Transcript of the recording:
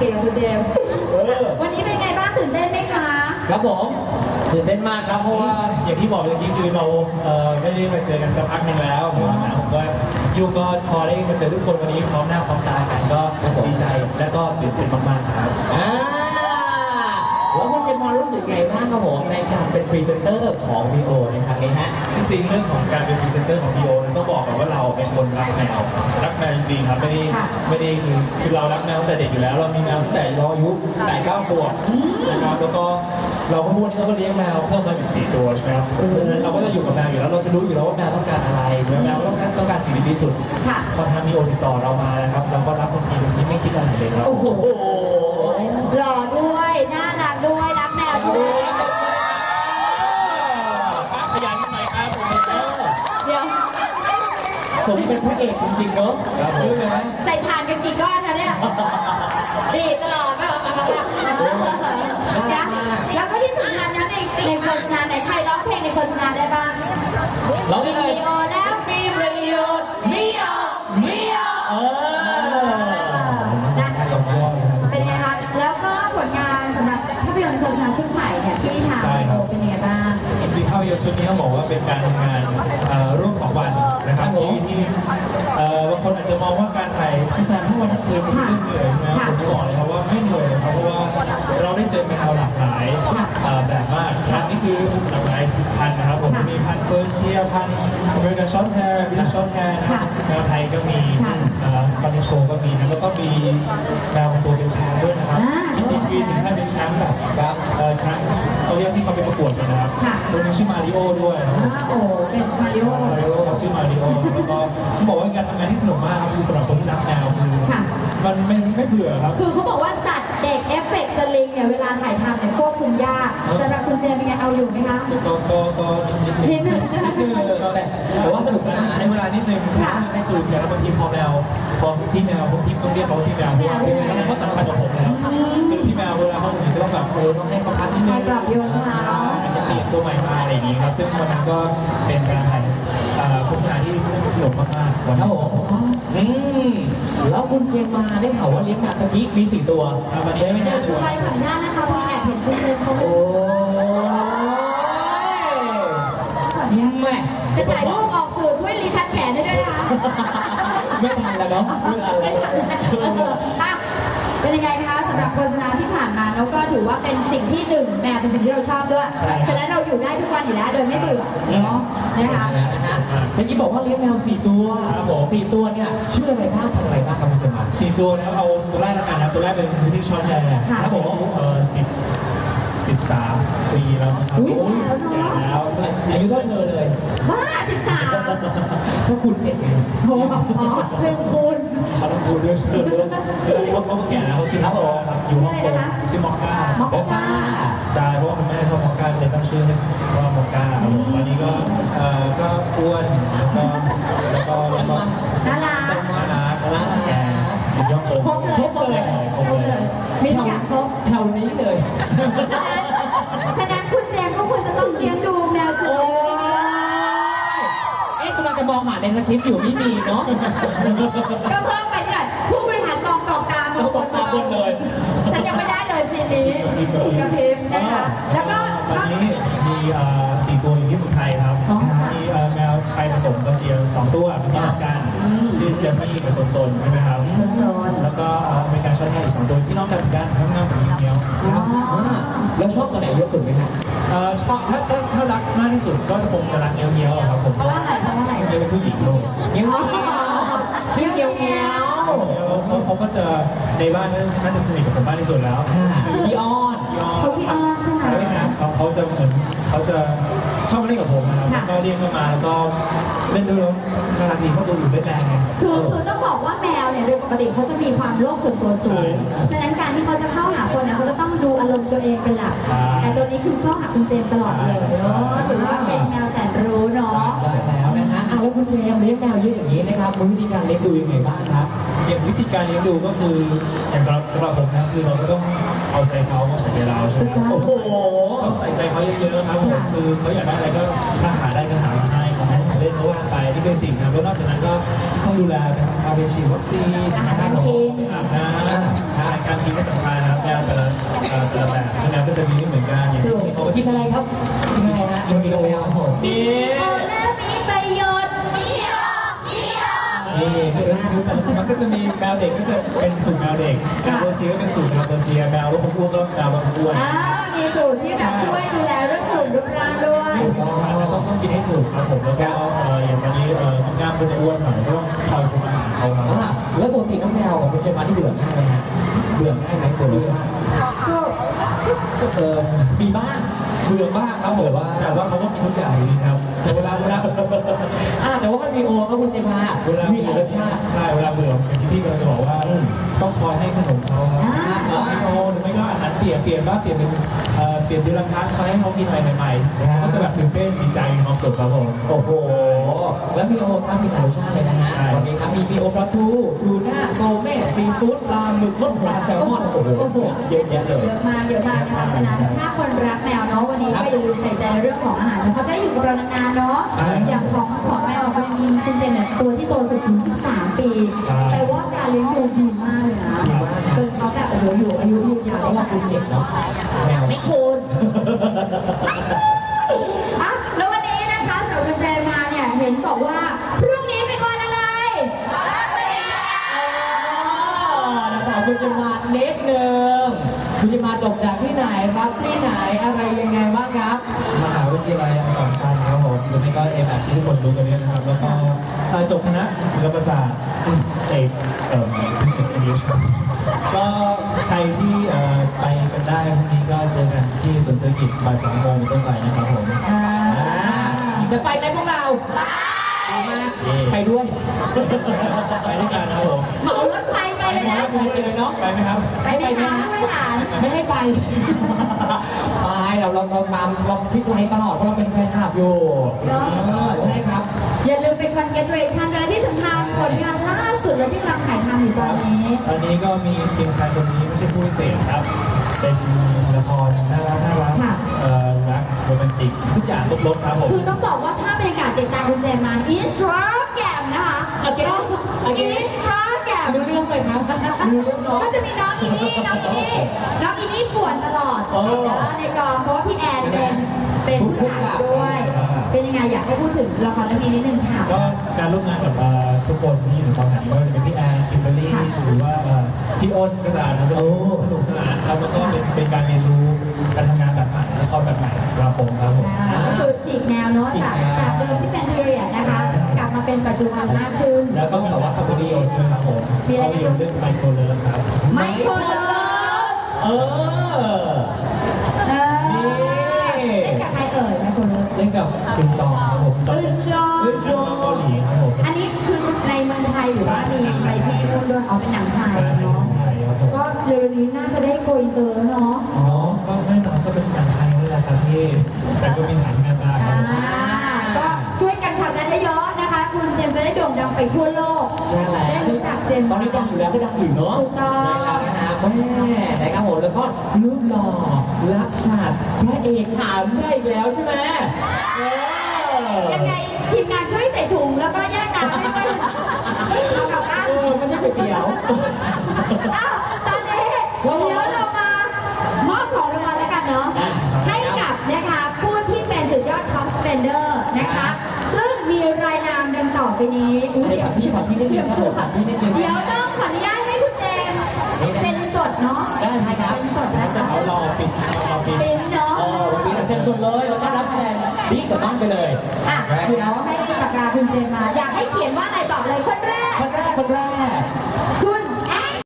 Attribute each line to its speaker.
Speaker 1: เกมคุณเจมส์วันนี้เป็นไงบ้างตื่นเต้นไหมคะ
Speaker 2: ครับผมตื่นเต้นมากครับเพราะว่าอย่างที่บอกเมื่อกี้คือเราไม่ได้มาเจอกันสักพักหนึ่งแล้วเพราะว่าผมก็ยูก็พอได้มาเจอทุกคนวันนี้พร้อมหน้าพร้อมตากันก็ดีใจและก็ตื่นเต้นมากๆครับแล้วคุณเจมส์รู้สึกไงบ้างครับผมในการเป็นพรีเซนเตอร์ของ VO ในครั้งนี้ฮะ
Speaker 3: จริงๆเรื่องของการเป็นพรีเซนเตอร์ของ VO ต้องบอกก่อนว่าเราเป็นคนรักแมวจริงๆครับไม่ได้คือเรารักแมวตั้งแต่เด็กอยู่แล้วเรามีแมวตั้งแต่เราอายุ8-9 ขวบนะครับแล้วก็เราก็พูดนี่เราก็เลี้ยงแมวเพิ่มมาอีก4 ตัวใช่ไหมครับเพราะฉะนั้นเราก็จะอยู่กับแมวอยู่แล้วเราจะรู้อยู่แล้วว่าแมวต้องการอะไรแมวต้องการสิ่งดีที่สุดพอทาง VO ติดต่อเรามานะครับเราก็รับทันทีโดยที่ไม่คิดอะไรเลยครับ
Speaker 1: โอ้โหหล่อด้วยน่ารักด้วยรักแมวด้วย
Speaker 3: ขยันหน่อยครับ
Speaker 1: เดี๋ยว
Speaker 2: สมเป็นพระเอกจริงๆเนาะรู้ไหม
Speaker 1: ใส่ผ่านกันกี่ก้อนคะเนี่ยดีตลอดไม่หรอกนะแล้วก็ที่สำคัญนะในโฆษณาไหนใครร้องเพลงในโฆษณาได้บ้าง
Speaker 2: ร้องได้เลย
Speaker 1: มีโอแล้ว
Speaker 2: มีประโยชน์มี
Speaker 1: เป็นไงคะแล้วก็ผลงานสำหรับภาพยนตร์โฆษณาชุดใหม่เนี่ยที่ทางโอเป็นยังไงบ้าง
Speaker 3: จริงๆภาพยนตร์ชุดนี้ต้องบอกว่าเป็นการทำงานร่วม2 วันนะครับที่บางคนอาจจะมองว่าการถ่ายโฆษณาทั้งวันทั้งคืนเป็นเรื่องเหนื่อยนะผมจะบอกเลยครับว่าไม่เหนื่อยครับเพราะว่าเราได้เจอแมวหลากหลายแบบมากครับนี่คือหลากหลายพันธุ์นะครับผมจะมีพันธุ์เปอร์เซียพันธุ์อเมริกันช็อตแฮร์บิลช็อตแฮร์นะครับแมวไทยก็มีสปานิชโกก็มีนะแล้วก็มีแมวตัวเป็นช้างด้วยนะครับจริงๆถึงขั้นเป็นช้างแบบช้างเขาเรียกที่เขาไปประกวดกันนะครับตัวนึงชื่อมาริโอด้วย
Speaker 1: โอ้เป็นมาริโอ
Speaker 3: เขาชื่อมาริโอแล้วก็ต้องบอกว่าการทำงานที่สนุกมากครับคือสำหรับคนที่รักแมวคือมันไม่เบื่อครับ
Speaker 1: คือเขาบอกว่าสัตว์เด็กเอฟเฟกต์สลิงเนี่ยเวลาถ่ายทำเนี่ยควบคุมยากสำหรับคุณเจมเป็นไงเอาอยู่ไหมคะ
Speaker 3: ก็นิดนึงแต่ว่าสนุกสนานใช้เวลานิดนึงให้จูนกันแล้วบางทีพอพี่แมวผมที่ต้องเรียกเขาพี่แมวเพราะว่าพี่แมวเขาสำคัญกับผมแล้วคือพี่แมวเวลาเขาหนีก็ต้องแบบต้องให้เขาพักนิดนึง
Speaker 1: ปรับโยนเขา
Speaker 3: จะเปลี่ยนตัวใหม่มาอะไรอย่างนี้ครับซึ่งวันนั้นก็เป็นการถ่ายโฆษณาที่สนุกมากๆวัน
Speaker 2: นั้นแล้วคุณเจมมาได้ข่าวว่าเลี้ยงแมวตะกี้มี4 ตัว
Speaker 3: วันนี้ไม่ได้
Speaker 1: ตัวไปขออนุญาตนะคะพี่แอบเห็นคุณเจมเขา
Speaker 2: แม่
Speaker 1: จะถ่ายรูปออกสื่อช่วยรีทัชแขนได้ด้วยนะคะ
Speaker 2: ไม่ทันแล้วเนาะ
Speaker 1: ไม่ทันแล้วเป็นยังไงคะสำหรับโฆษณาที่ผ่านมาแล้วก็ถือว่าเป็นสิ่งที่แมวเป็นสิ่งที่เราชอบด้วยฉะนั้นเราอยู่ได้ทุกวันอยู่แล้วโดยไม่เบื่อเนาะนะคะ
Speaker 2: เมื่อกี้บอกว่าเลี้ยงแมว4 ตัว4 ตัวเนี่ยชื่ออะไรบ้างทำอะไรบ้างครับคุณเจมา
Speaker 3: 4 ตัวแล้วเอาตัวแรกแล้วกันนะตัวแรกเป็นพิธีช็อตแฮร์ครับผม13 ปีแล้วครับ
Speaker 1: แล้ว
Speaker 2: อายุเท่าเธอเลย
Speaker 1: บ้า13
Speaker 2: ถ้าคุณ7ไง
Speaker 1: โอ้เพิ่มคุณ
Speaker 3: เขาต้องคูณด้วยชื่อด้วยเขาแก่แล้วเขาชื่อครับอยู่ห้องโถงชื่อมอก้าใช่เพราะว่าคุณแม่ชอบมอก้าเลยตั้งชื่อให้ว่ามอก้าวันนี้ก็อ้วนแล้วก็
Speaker 1: น่ารัก
Speaker 3: แก่ย่องโต
Speaker 1: ครบเลยมีทุกอย่างครบ
Speaker 2: แถวนี้เลย
Speaker 1: ฉะนั้นคุณเจมก็ควรจะต้องเลี้ยงดูแมวสุด
Speaker 2: กำลังจะมองหาในสคริปต์อยู่ไม่มีเนาะ
Speaker 1: ก็เพิ่มไปนิดหน่อยผู้บริหารมองกองตามองบนเลยฉันยังไม่ได้เลยซีนนี้กระพริบนะคะแล้วก็
Speaker 3: ตอนนี้มี4 ตัวอยู่ที่เมืองไทยครับมีแมวไทยผสมเปอร์เซีย2 ตัวเป็นน้องกันชื่อเจมมี่กับโซนใช่ไหมครับแล้วก็อเมริกันช็อตแฮร์อีก2 ตัวที่น้องกันเหมือนกันทั้งน้ำกับเงี้ยว
Speaker 2: แล้วชอบตัวไหนเยอะสุดไหมครับ
Speaker 3: ชอบถ้ารักมากที่สุดก็คงจะรักเงี้ยวครับผม
Speaker 1: เพราะว่าอะไร
Speaker 3: เป็นผู้หญิงเลย
Speaker 2: เงี้ยวชื่อเงี้ยว
Speaker 3: เขาก็จะในบ้านน่าจะสนิทกับผมมากที่สุดแล้ว
Speaker 2: พี่อ้อน
Speaker 1: ใช่ไหม
Speaker 3: เขาจะเหมือนเขาจะชอบเล่นกับผมนะครับก็เรียกเข้ามาแล้วก็เล่นด้วยน่ารักดีเขาดูอยู่เล่นแรงไง
Speaker 1: คือต้องบอกว่าแมวเนี่ยโดยปกติเขาจะมีความโลภส่วนตัวสูงฉะนั้นการที่เขาจะเข้าหาคนเนี่ยเขาจะต้องดูอารมณ์ตัวเองเป็นหลักแต่ตัวนี้คือเข้าหาคุณเจมตลอดเลยเนาะถือว่าเป็นแมวแสนรู้เนาะ
Speaker 2: ได้แล้วนะฮะแล้วคุณเจมเลี้ยงแมวเยอะอย่างนี้นะครับวิธีการเลี้ยงดูยังไงบ้างครับ
Speaker 3: อย่างวิธีการเลี้ยงดูก็คืออย่างสำหรับผมนะคือเราก็ต้องเอาใจเขาใส่ใจเราใช่ไหมต้องใส่ใจเขาเยอะๆครับผมคือเขาอยากได้อะไรก็ถ้าหาได้ก็หาให้ของให้เล่นเขาว่างไปที่เป็นสิ่งนะแล้วนอกจากนั้นก็ต้องดูแลไปพาไปฉีดวัคซีน
Speaker 1: อาหารการกิน
Speaker 3: อาบน้ำการกินก็สำคัญ
Speaker 4: นอะไรครับกินอะไรฮะกินมีโอแมวครับผม
Speaker 1: กินมีโอและมีประโยชน์มีโอ
Speaker 3: นี่คือแต่ละมันก็จะมีแมวเด็กก็จะเป็นสูตรแมวเด็กแมวเปอร์เซียก็เป็นสูตรแมวเปอร์เซียแมวรถอ้วนก็แมวรถอ้วน
Speaker 1: มีสูตรที่แบบช่วยดูแลเรื่องหุ่นรูปร่างด้วย
Speaker 3: ต้องกินให้ถูกครับผมแล้วก็อย่างตอนนี้กล้ามก็จะอ้วนหน่อยก็ต้องคอยคุมอาหารเขาครับ
Speaker 4: แล้วปกติน้องแมวของคุณเชฟมาที่เบื่อง่ายไหมฮะเบื่อง่ายไหมตัวรสชาติ
Speaker 3: ก็
Speaker 4: มีบ้าง
Speaker 3: เบื่อมากครับผมแต่ว่าเขาก็กินทุกอย่างอยู่ดีครับแต่เวลา
Speaker 4: แต่ว่ามันมีโอครับคุณเชฟมามีหลายรสชาติ
Speaker 3: ใช่เวลาเบื่ออย่างที่พี่เราจะบอกว่าต้องคอยให้ขนมเขาครับโอหรือไม่ก็อาหารเปลี่ยนบ้างเปลี่ยนเป็นเปลี่ยนเดือนละครั้งคอยให้เขากินอะไรใหม่ๆก็จะแบบตื่นเต้นดีใจมีความสุขครับผม
Speaker 4: โอ้โหแล้วมีโอครับมีหลายรสชาติเลยนะฮะวันนี้ครับมีโอปลาทูทูน่าโซเม่ซีฟู้ดปลาหมึกรสปลาแซลมอนโอ้โหเยอะแยะเลย
Speaker 1: เยอะมากนะคะฉะนั้นถ้าคนรักแมวเนาะวันนี้ก็อย่าลืมใส่ใจในเรื่องของอาหารเพราะจะได้อยู่กับเรานานๆเนาะอย่างของแมวคุณเจนเนี่ยตัวที่โตสุดถึง13 ปีแต่ว่าการเลี้ยงดูดีมากเลยนะจนเขาแบบโอ้โหอยู่อายุยืนยาว
Speaker 4: เพราะว่าคุณเจ็บเนาะแมว
Speaker 1: ไม่คุณอ่ะแล้ววันนี้นะคะสาวคุณเจนมาเนี่ยเห็นบอกว่าพรุ่งนี้เป็นวันอะไร
Speaker 4: ถามคุณจะมาเน็ตหนึ่งคุณจะมาจบจากที่ไหนครับที่ไหนอะไรยังไงบ้างครับ
Speaker 3: มหาวิทยาลัยอักษรชันครับผมหรือไม่ก็เอ็มอาร์ที่ทุกคนรู้กันเนี่ยนะครับแล้วก็จบคณะศิลปศาสตร์เอกbusiness English ครับก็ใครที่ไปกันได้พรุ่งนี้ก็เจอกันที่สวนเศรษฐกิจบ่าย2 โมงเป็นต้นไปนะครับผม
Speaker 4: จะไปไหมพวกเราไปมากไปด้วย
Speaker 3: ไปด้วยกันนะครับผม
Speaker 1: เหมารถไฟไปเลยนะ
Speaker 4: ไปเลยเนาะ
Speaker 3: ไปไหมครับ
Speaker 1: ไปไหมคะไม่หาน
Speaker 4: ไม่ให้ไปไปเราตามเราคลิกไลค์ตลอดเพราะเราเป็นแฟนคลับอยู่ใช่ครับ
Speaker 1: อย่าลืมเป็น congratulation และที่สำคัญผลงานล่าสุดและที่กำลังถ่ายทำอยู่ตอนนี้
Speaker 3: ตอนนี้ก็มีเพียงชายคนนี้ไม่ใช่ผู้พิเศษครับ เป็นละครน่ารักรักโรแมนติกทุกอย่างลบๆครับผม
Speaker 1: คือต้องบอกว่าภาพบรรยากาศติดตามคุณเจมานอินสตาแกรมนะคะอินสตาแกรม
Speaker 4: ดูเรื่องไปครับดูเรื่องเนาะ
Speaker 1: ก็จะมีน้องอินี่ป่วนตลอดในกองเพราะว่าพี่แอนเป็นผู้จัดด้วย เป็นยังไงอยากให้พูดถึงละครเรื่องนี้นิดนึงค่ะ
Speaker 3: ก็การร่วมงานกับทุกคนที่อยู่ในกองถ่ายไม่ว่าจะเป็นพี่แอนคิมเบอร์รี่หรือว่าพี่อ้นก็ตามนะก็สนุกสนานครับแล้วก็เป็นการเรียนรู้การทำงานแบบใหม่ละครแบบใหม่สำหรับผมครับผม
Speaker 1: ก็คือฉีกแนวเนาะจากเดิมที่เป็นพีเรียดนะคะกลับมาเป็นปัจจุบันมากขึ้น
Speaker 3: แล้วก็แบบว่าภาพยนตร์ด้วยครับผมภาพยนตร์เรื่องไมโครเลิฟครับ
Speaker 1: ไมโครเลิฟ
Speaker 4: เออ
Speaker 1: เล่นกับใครเอ่ยไมโครเลิฟ
Speaker 3: เล่นกับคุณจองครับผม
Speaker 1: อึนจอง
Speaker 3: เกาหลีครับผม
Speaker 1: อันนี้คือในเมืองไทยหรือว่ามีไปที่นู่นด้วยเอาเป็นหนังไทยเนาะก็เร็วนี้น่าจะได้โกอินเตอร์เนาะ
Speaker 3: อ๋อก็แน่นอนก็เป็นหนังไทยนี่แหละครับพี่แต่ก็มีหนังแม่บ้าน
Speaker 1: ก็ช่วยกันผลักดันเยอะๆนะคะ คุณเจมส์จะได้โด่งดังไปทั่วโลก
Speaker 4: ใช่แล้ว
Speaker 1: ได้รู้จักเจมส์
Speaker 4: ตอนนี้ดังอยู่แล้วก็ดังอยู่เนาะ
Speaker 1: ถูกต้อง
Speaker 4: นะครับแม่นะครับผมแล้วก็รูปหล่อรักชาติพระเอกถามได้อีกแล้วใช่ไหม
Speaker 1: ยังไงทีมงานช่วยใส่ถุงแล้วก็แยกน้ำให้ด้วยเอากลับบ้าน
Speaker 4: ไม่ใช่ก๋วยเตี๋ยว
Speaker 1: อ้าวตอนนี้เดี๋ยวเรามามอบของรางวัลแล้วกันเนาะให้กับนะคะผู้ที่เป็นสุดยอดท็อปสเปนเดอร์นะคะ ซึ่งมีรายนามดังต่อไปนี้อุ๊ย
Speaker 4: ให้กับพี่ขอที่นิดนึงครับผมขอที่นิดนึง
Speaker 1: เดี๋ยวต้องขออนุญาตให้คุณเจมส์เซ็นสดเนาะ
Speaker 4: ได้ไหมครับ
Speaker 1: เซ็นสดนะ
Speaker 3: จะ
Speaker 1: คะ
Speaker 3: เอารอปิด
Speaker 1: เป็นเนาะ
Speaker 4: วันนี้เราเซ็นสดเลยแล้วก็รับแทนรีบกลับบ้านไปเลย
Speaker 1: อ่ะเดี๋ยวให้ปากกาคุณเจมส์มา อยากให้เขียนว่าอะไรตอบเลยคนแรก
Speaker 4: คนแรก